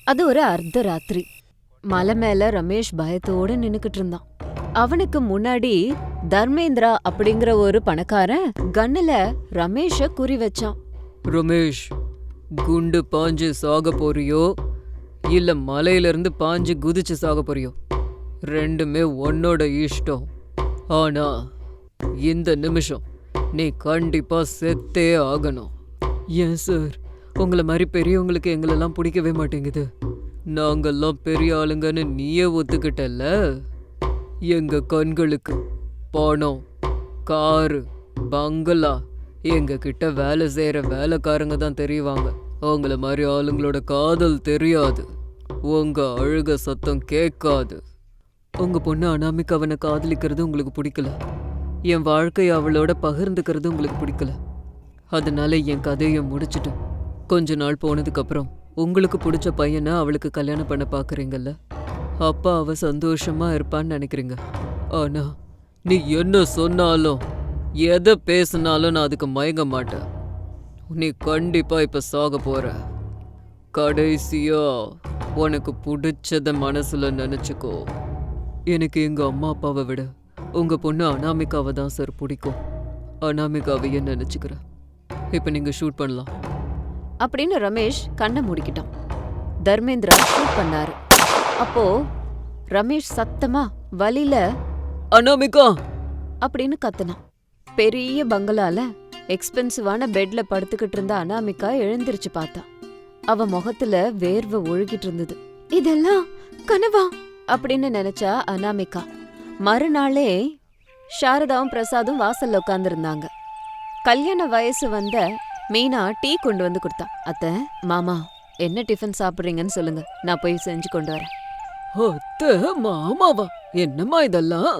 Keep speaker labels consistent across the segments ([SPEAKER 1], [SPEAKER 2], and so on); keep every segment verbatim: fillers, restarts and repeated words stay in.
[SPEAKER 1] அது ஒரு அர்த்த ராத்திரி. மலை மேல ரமேஷ் பயத்தோட நின்னுக்கிட்டு இருந்தான். அவனுக்கு முன்னாடி தர்மேந்திரா அப்படிங்கிற ஒரு பணக்காரன் கண்ணுல ரமேஷ குறி வச்சான்.
[SPEAKER 2] ரமேஷ், குண்டு பாஞ்சு சாக போறியோ இல்ல மலையில இருந்து பாஞ்சு குதிச்சு சாக போறியோ, ரெண்டுமே உன்னோட இஷ்டம். ஆனா இந்த நிமிஷம் நீ கண்டிப்பா செத்தே ஆகணும். ஏன் சார், உங்களை மாதிரி பெரியவங்களுக்கு எங்களெல்லாம் பிடிக்கவே மாட்டேங்குது. நாங்கெல்லாம் பெரிய ஆளுங்கன்னு நீயே ஒத்துக்கிட்டல்ல. எங்க கண்களுக்கு பணம், காரு, பங்களா, எங்க கிட்ட வேலை செய்யற வேலைக்காரங்க தான் தெரியுவாங்க. அவங்கள மாதிரி ஆளுங்களோட காதல் தெரியாது, உங்க அழுக சத்தம் கேட்காது. உங்க பொண்ணு அனாமிக்கு அவனை காதலிக்கிறது உங்களுக்கு பிடிக்கல, என் வாழ்க்கையை அவளோட பகிர்ந்துக்கிறது உங்களுக்கு பிடிக்கல. அதனால என் கதையை முடிச்சுட்டு கொஞ்ச நாள் போனதுக்கு அப்புறம் உங்களுக்கு பிடிச்ச பையனை அவளுக்கு கல்யாணம் பண்ண பாக்குறீங்கல்ல, அப்பா அவ சந்தோஷமா இருப்பான்னு நினைக்கிறீங்க. ஆனா நீ என்ன சொன்னாலும் எதை பேசினாலும் நான் அதுக்கு மயங்க மாட்டேன். நீ கண்டிப்பா இப்ப சாக போற. கடைசியா உனக்கு பிடிச்சத மனசுல நினைச்சுக்கோ. எனக்கு எங்க அம்மா அப்பாவை விட உங்க பொண்ணு அனாமிகாவை தான் சார் பிடிக்கும். அனாமிகாவையே நினைச்சுக்கிறேன். இப்ப நீங்க ஷூட் பண்ணலாம்
[SPEAKER 1] அப்படின்னு ரமேஷ் கண்ணை மூடிக்கிட்டான். தர்மேந்திரா ஷூட் பண்ணாரு. அப்போ ரமேஷ் சத்தமா வலியில
[SPEAKER 2] அனாமிகா
[SPEAKER 1] அப்படின்னு கத்துனான். பெரிய பங்களால எக்ஸ்பென்சிவான பெட்ல படுத்துக்கிட்டு இருந்த அனாமிகா எழுந்திருச்சு பார்த்தா. அவ முகத்துல வேர்வை ஒழுகிட்டு இருந்தது. இதெல்லாம் கனவா அப்படின்னு நினைச்சா அனாமிகா. மறுநாளே சாரதாவும் பிரசாதும் வாசல்ல உட்கார்ந்து இருந்தாங்க. கல்யாண வயசு வந்த மீனா டீ கொண்டு வந்து கொடுத்தா. அத்தை, மாமா என்ன டிஃபன் சாப்பிடுறீங்கன்னு சொல்லுங்க, நான் போய் செஞ்சு கொண்டு வரேன்.
[SPEAKER 2] அத்தை, மாமாவா? என்னம்மா இதெல்லாம்?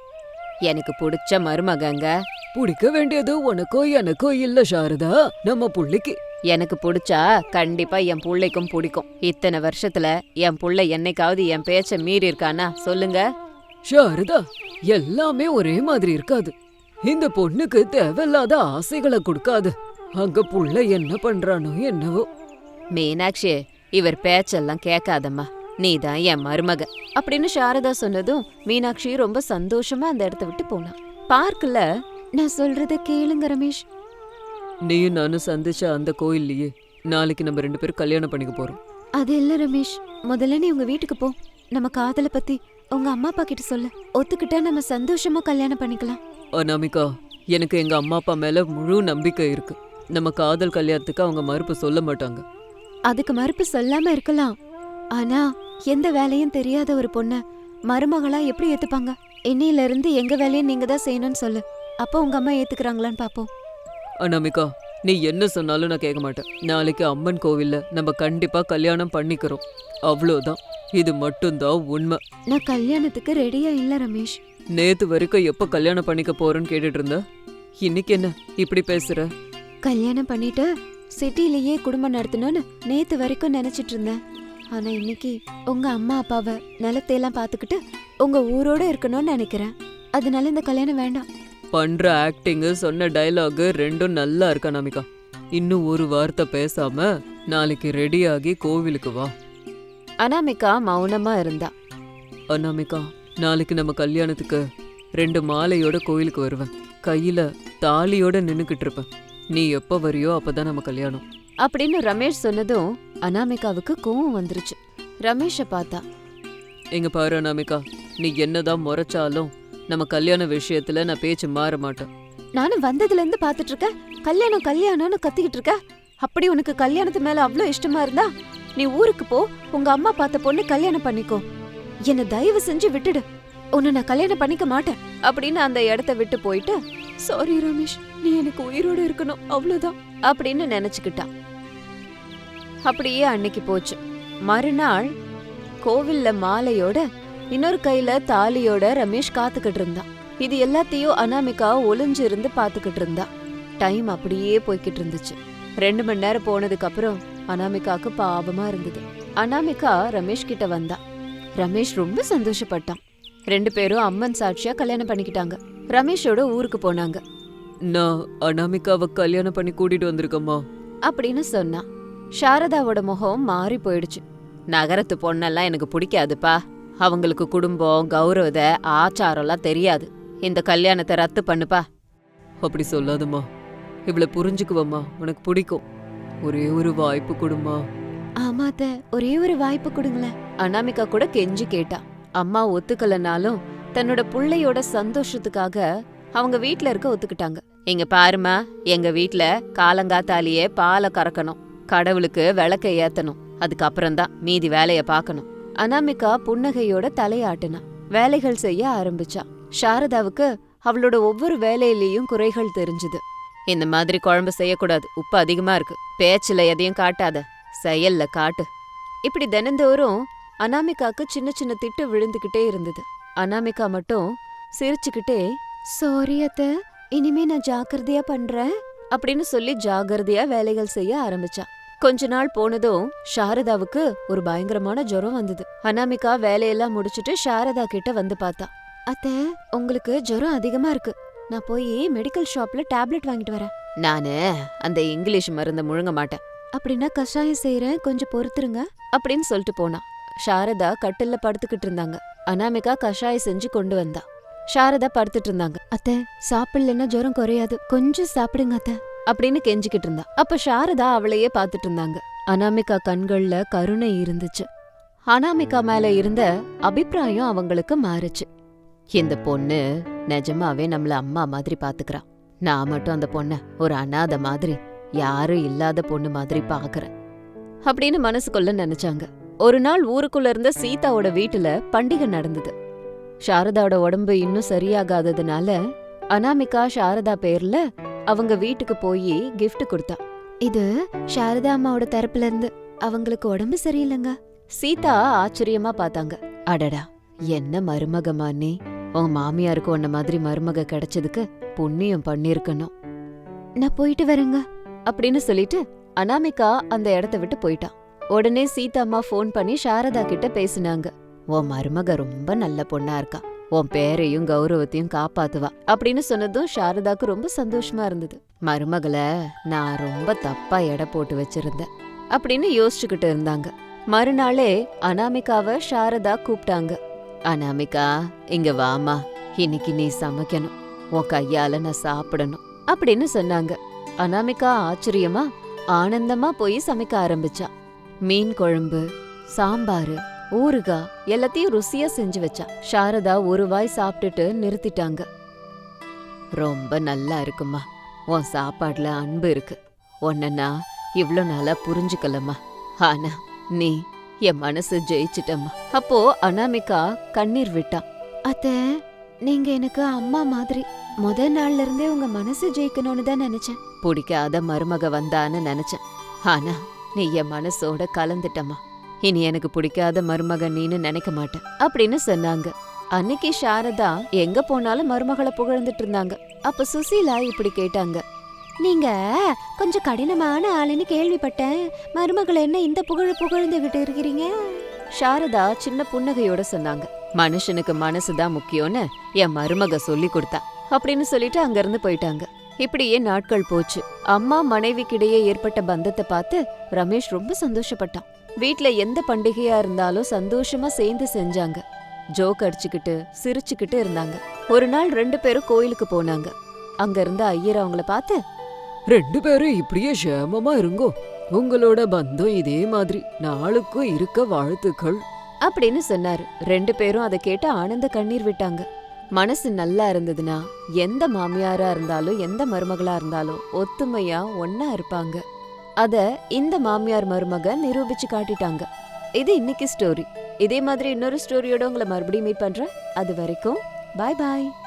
[SPEAKER 1] எனக்கு பிடிச்ச மருமகங்க.
[SPEAKER 2] பிடிக்க வேண்டியது உனக்கோ எனக்கோ இல்ல சாரதா, நம்ம புள்ளைக்கு.
[SPEAKER 1] எனக்கு பிடிச்சா கண்டிப்பா என் புள்ளைக்கும் பிடிக்கும். இத்தனை வருஷத்துல என் புள்ளை என்னைக்காவது என் பேச்ச மீறி இருக்கானா சொல்லுங்க.
[SPEAKER 2] சாரதா, எல்லாமே ஒரே மாதிரி இருக்காது. இந்த பொண்ணுக்கு தேவையில்லாத ஆசைகளை கொடுக்காது. அங்க புள்ள என்ன பண்றானோ என்னவோ.
[SPEAKER 1] மீனாட்சி, இவர் பேச்செல்லாம் கேட்காதம்மா, நீதான் என் மருமக அப்படின்னு சாரதா சொன்னதும் மீனாட்சி ரொம்ப சந்தோஷமா அந்த இடத்த விட்டு போனான். பார்க்கல, நான் சொல்றத கேளுங்க ரமேஷ்.
[SPEAKER 2] நீயும் நானும் சந்திச்ச அந்த கோயில்லையே நாளைக்கு நம்ம ரெண்டு பேரும் கல்யாணம் பண்ணிக்க போறோம்.
[SPEAKER 1] அது இல்ல ரமேஷ், முதல்ல நீ உங்க வீட்டுக்கு போ. நம்ம காதல பத்தி உங்க அம்மா அப்பா கிட்ட சொல்ல, ஒத்துக்கிட்டா நம்ம சந்தோஷமா கல்யாணம் பண்ணிக்கலாம்.
[SPEAKER 2] அனாமிகா, எனக்கு எங்க அம்மா அப்பா மேல முழு நம்பிக்கை இருக்கு. நம்ம காதல் கல்யாணத்துக்கு அவங்க மறுப்பு சொல்ல மாட்டாங்க.
[SPEAKER 1] அதுக்கு மறுப்பு சொல்லாம இருக்கலாம், ஆனா எந்த வேலையும் தெரியாத ஒரு பொண்ண மருமகளா எப்படி ஏத்துப்பாங்க? இன்னையில இருந்து எங்க வேலையை நீங்க தான் செய்யணும்னு சொல்லு, அப்போ உங்க அம்மா ஏத்துக்கிறாங்களான்னு பாப்போம்.
[SPEAKER 2] அனாமிகா, நீ என்ன சொன்னாலும் நான் கேட்க மாட்டேன். நாளைக்கு அம்மன் கோவில்ல நம்ம கண்டிப்பா கல்யாணம் பண்ணிக்கிறோம், அவ்வளோதான். இது மட்டும்தான் உண்மை.
[SPEAKER 1] நான் கல்யாணத்துக்கு ரெடியா இல்ல ரமேஷ்.
[SPEAKER 2] நேத்து வரைக்கும் எப்ப கல்யாணம் பண்ணிக்க போறேன்னு கேட்டுட்டு இருந்த, இன்னைக்கு என்ன இப்படி பேசுற?
[SPEAKER 1] கல்யாணம் பண்ணிட்டு சிட்டிலேயே குடும்பம் நடத்தணும்னு நேத்து வரைக்கும் நினைச்சிட்டு இருந்தேன். ஆனா இன்னைக்கு உங்க அம்மா அப்பாவை நிலத்தையெல்லாம் பாத்துக்கிட்டு உங்க ஊரோட இருக்கணும்னு நினைக்கிறேன். அதனால இந்த கல்யாணம் வேண்டாம்.
[SPEAKER 2] பண்ற ஆக்டிங், சொன்ன டயலாக் ரெண்டும் நல்லா இருக்கு அனாமிகா. இன்னும் ஒரு வார்த்தை பேசாம நாளைக்கு ரெடியாகி கோவிலுக்கு வா.
[SPEAKER 1] அனாமிகா மௌனமா இருந்தா.
[SPEAKER 2] அனாமிகா, நாளைக்கு நம்ம கல்யாணத்துக்கு ரெண்டு மாலையோட கோயிலுக்கு வருவேன். கையில தாலியோட நின்னுக்கிட்டு இருப்பேன். நீ எப்ப வரியோ அப்பதான் நம்ம கல்யாணம்
[SPEAKER 1] அப்படின்னு ரமேஷ் சொன்னதும் அனாமிகாவுக்கு கோவம் வந்துருச்சு. ரமேஷ பார்த்தா.
[SPEAKER 2] எங்க பாரு அனாமிகா, நீ என்னதான் முறைச்சாலும் நம்ம கல்யாண விஷயத்துல நான் பேச்சு மாற மாட்டேன்.
[SPEAKER 1] நானும் வந்ததுல இருந்து பாத்துட்டு இருக்க, கல்யாணம் கல்யாணம்னு கத்திக்கிட்டு இருக்க. அப்படி உனக்கு கல்யாணத்து மேல அவ்வளோ இஷ்டமா இருந்தா நீ ஊருக்கு போ, உங்க அம்மா பார்த்த பொண்ணு கல்யாணம் பண்ணிக்கோ. என்ன தயவு செஞ்சு விட்டுடு, உன்னை நான் கல்யாணம் பண்ணிக்க மாட்டேன் அப்படின்னு அந்த இடத்த விட்டு போயிட்டு, சாரி ரமேஷ், நீ எனக்கு உயிரோட இருக்கணும் அவ்வளவுதான் அப்படின்னு நினைச்சுக்கிட்டான். அப்படியே அன்னைக்கு போச்சு. மறுநாள் கோவில்ல மாலையோட இன்னொரு கையில தாலியோட ரமேஷ் காத்துக்கிட்டு இருந்தான். இது எல்லாத்தையும் அனாமிகா ஒளிஞ்சு இருந்து பாத்துக்கிட்டு இருந்தா. டைம் அப்படியே போய்கிட்டு இருந்துச்சு. ரெண்டு மணி நேரம் போனதுக்கு அப்புறம் அனாமிகாக்கு பாவமா இருந்தது. அனாமிகா ரமேஷ் கிட்ட வந்தா. ரமேஷ் ரொம்ப சந்தோஷப்பட்டான். ரெண்டு பேரும் அம்மன் சாட்சியா கல்யாணம் பண்ணிக்கிட்டாங்க. ரமேஷோட ஊருக்கு போனாங்க.
[SPEAKER 2] நான் அனாமிகாவை கல்யாணம் பண்ணி கூட்டிட்டு வந்திருக்கம்மா
[SPEAKER 1] அப்படின்னு சொன்னா. சாரதாவோட முகம் மாறி போயிடுச்சு. நகரத்து பொண்ணெல்லாம் எனக்கு பிடிக்காதுப்பா. அவங்களுக்கு குடும்பம் கௌரவத ஆச்சாரம்லாம் தெரியாது. இந்த கல்யாணத்தை ரத்து பண்ணுப்பா.
[SPEAKER 2] அப்படி சொல்லாதம்மா, இவளை புரிஞ்சுக்குவம்மா, உனக்கு பிடிக்கும். ஒரே ஒரு வாய்ப்பு கொடுமா.
[SPEAKER 1] ஆமாத்த, ஒரே ஒரு வாய்ப்பு கொடுங்களேன். அனாமிகா கூட கெஞ்சி கேட்டா. அம்மா ஒத்துக்கலனாலும் தன்னோட புள்ளையோட சந்தோஷத்துக்காக அவங்க வீட்ல இருக்க ஒத்துக்கிட்டாங்க. இங்க பாருமா, எங்க வீட்ல காலங்காத்தாலேயே பாலை கறக்கணும், கடவுளுக்கு விளக்க ஏத்தணும், அதுக்கப்புறம்தான் மீதி வேலைய பாக்கணும். அனாமிகா புன்னகையோட தலையாட்டுனா வேலைகள் செய்ய ஆரம்பிச்சா. சாரதாவுக்கு அவளோட ஒவ்வொரு வேலையிலயும் குறைகள் தெரிஞ்சுது. இந்த மாதிரி குழம்பு செய்யக்கூடாது, உப்பு அதிகமா இருக்கு, பேச்சுல எதையும் காட்டாத, செயல்ல காட்டு. இப்படி தினந்தோறும் அனாமிகாக்கு சின்ன சின்ன திட்டு விழுந்துகிட்டே இருந்தது. அனாமிகா மட்டும் சிரிச்சுக்கிட்டே, சாரி அத்த, இனிமே நான் ஜாக்கிரதையா பண்றேன் அப்படின்னு சொல்லி ஜாகிரதையா வேலைகள் செய்ய ஆரம்பிச்சா. கொஞ்ச நாள் போனதும் சாரதாவுக்கு ஒரு பயங்கரமான ஜுரம் வந்தது. அனாமிகா வேலையெல்லாம் முடிச்சிட்டு சாரதா கிட்ட வந்து பார்த்தா. அத்த, உங்களுக்கு ஜுரம் அதிகமா இருக்கு, நான் போய் மெடிக்கல் ஷாப்ல டேப்லெட் வாங்கிட்டு வரேன். நானு அந்த இங்கிலீஷ் மருந்த முழுங்க மாட்டேன். அப்படின்னா கஷாயம் செய்யறேன், கொஞ்சம் பொறுத்துருங்க அப்படின்னு சொல்லிட்டு போனா. சாரதா கட்டில்ல படுத்துக்கிட்டு இருந்தாங்க. அனாமிகா கஷாயம் செஞ்சு கொண்டு வந்தா. சாரதா படுத்துட்டு இருந்தாங்க. அத்தை, சாப்பிடலன்னா ஜுரம் குறையாது, கொஞ்சம் சாப்பிடுங்க அத்தை அப்படின்னு கெஞ்சிக்கிட்டு இருந்தா. அப்ப சாரதா அவளையே பாத்துட்டு இருந்தாங்க. அனாமிகா கண்கள்ல கருணை இருந்துச்சு. அனாமிகா மேல இருந்த அபிப்பிராயம் அவங்களுக்கு மாறுச்சு. இந்த பொண்ணு நிஜமாவே நம்மள அம்மா மாதிரி பாத்துக்கிறா. நான் மட்டும் அந்த பொண்ண ஒரு அனாதை மாதிரி, யாரும் இல்லாத பொண்ணு மாதிரி பாக்குறேன் அப்படின்னு மனசுக்குள்ள நினைச்சாங்க. ஒரு நாள் ஊருக்குள்ள இருந்த சீதாவோட வீட்டுல பண்டிகை நடந்தது. சாரதாவோட உடம்பு இன்னும் சரியாகாததுனால அனாமிகா சாரதா பேர்ல அவங்க வீட்டுக்கு போய் கிஃப்ட் கொடுத்தா. இது சாரதா அம்மாவோட தரப்புல இருந்து, அவங்களுக்கு உடம்பு சரியில்லைங்க. சீதா ஆச்சரியமா பார்த்தாங்க. அடடா, என்ன மருமகமா நீ! உன் மாமியாருக்கு உன்ன மாதிரி மருமக கிடைச்சதுக்கு புண்ணியம் பண்ணிருக்கணும். நான் போயிட்டு வரேங்க அப்படின்னு சொல்லிட்டு அனாமிகா அந்த இடத்த விட்டு போயிட்டா. உடனே சீதா அம்மா ஃபோன் பண்ணி சாரதா கிட்ட பேசினாங்க. உன் மருமக ரொம்ப நல்ல பொண்ணா இருக்கா, உன் பேரையும் கௌரவத்தையும் காப்பாத்துவா அப்படின்னு சொன்னதும் சாரதாக்கு ரொம்ப சந்தோஷமா இருந்தது. மருமகளை நான் ரொம்ப தப்பா எடை போட்டு வச்சிருந்தேன் அப்படின்னு யோசிச்சுக்கிட்டு இருந்தாங்க. மறுநாளே அனாமிகாவை சாரதா கூப்பிட்டாங்க. அனாமிகா, இங்க வாமா, இன்னைக்கு நீ சமைக்கணும், உன் கையால நான் சாப்பிடணும் அப்படின்னு சொன்னாங்க. அனாமிகா ஆச்சரியமா ஆனந்தமா போய் சமைக்க ஆரம்பிச்சா. மீன் குழம்பு, சாம்பாரு, ஊறுகாய் எல்லாத்தையும் ருசியா செஞ்சு வச்சா. சாரதா ஒரு வாய் சாப்பிட்டுட்டு நிறுத்திட்டாங்க. ரொம்ப நல்லா இருக்குமா, உன் சாப்பாடுல அன்பு இருக்கு, உன்ன நான் இவ்ளோ நாளா புரிஞ்சுக்கலம்மா, ஆனா நீ என் மனசு ஜெயிச்சிட்டம்மா. அப்போ அனாமிகா கண்ணீர் விட்டா. அத்த, நீங்க எனக்கு அம்மா மாதிரி, முத நாள்ல இருந்தே உங்க மனசு ஜெயிக்கணும்னு தான் நினைச்சேன். பிடிக்காத மருமக வந்தான்னு நினைச்சேன், ஆனா நீ என் மனசோட கலந்துட்டம்மா. இனி எனக்கு பிடிக்காத மருமக நீன்னு நினைக்க மாட்டேன் அப்படின்னு சொன்னாங்க. அன்னைக்கு சாரதா எங்க போனாலும் மருமகளை புகழ்ந்துட்டு இருந்தாங்க. அப்ப சுசீலா இப்படி கேட்டாங்க. நீங்க கொஞ்சம் கடினமான ஆளுன்னு கேள்விப்பட்டேன், மருமகளை என்ன இந்த புகழ் புகழ்ந்துகிட்டு இருக்கிறீங்க? சாரதா சின்ன புன்னகையோட சொன்னாங்க. மனுஷனுக்கு மனசுதான் முக்கியம்னு என் மருமக சொல்லி கொடுத்தா அப்படின்னு சொல்லிட்டு அங்க இருந்து போயிட்டாங்க. இப்படியே நாட்கள் போச்சு. அம்மா மனைவிக்கிடையே ஏற்பட்ட பந்தத்தை பார்த்து ரமேஷ் ரொம்ப சந்தோஷப்பட்டான். வீட்ல எந்த பண்டிகையா இருந்தாலும் சந்தோஷமா சேர்ந்து செஞ்சாங்க. ஜோக் அடிச்சுக்கிட்டு சிரிச்சுக்கிட்டு இருந்தாங்க. ஒரு நாள் ரெண்டு பேரும் கோயிலுக்கு போனாங்க. அங்க இருந்த ஐயர் அவங்கள பார்த்து,
[SPEAKER 2] ரெண்டு பேரும் இப்படியே சேமமா இருங்கோ, உங்களோட பந்தம் இதே மாதிரி நாளுக்கும் இருக்க வாழ்த்துக்கள்
[SPEAKER 1] அப்படின்னு சொன்னாரு. ரெண்டு பேரும் அதை கேட்டு ஆனந்த கண்ணீர் விட்டாங்க. மனசு நல்லா இருந்ததுன்னா எந்த மாமியாரா இருந்தாலும் எந்த மருமகளா இருந்தாலும் ஒத்துமையா ஒன்னா இருப்பாங்க. அத இந்த மாமியார் மருமக நிரூபிச்சு காட்டிட்டாங்க. இது இன்னைக்கு ஸ்டோரி. இதே மாதிரி இன்னொரு ஸ்டோரியோட உங்களை மறுபடியும் மீட் பண்றேன். அது வரைக்கும் பாய் பாய்.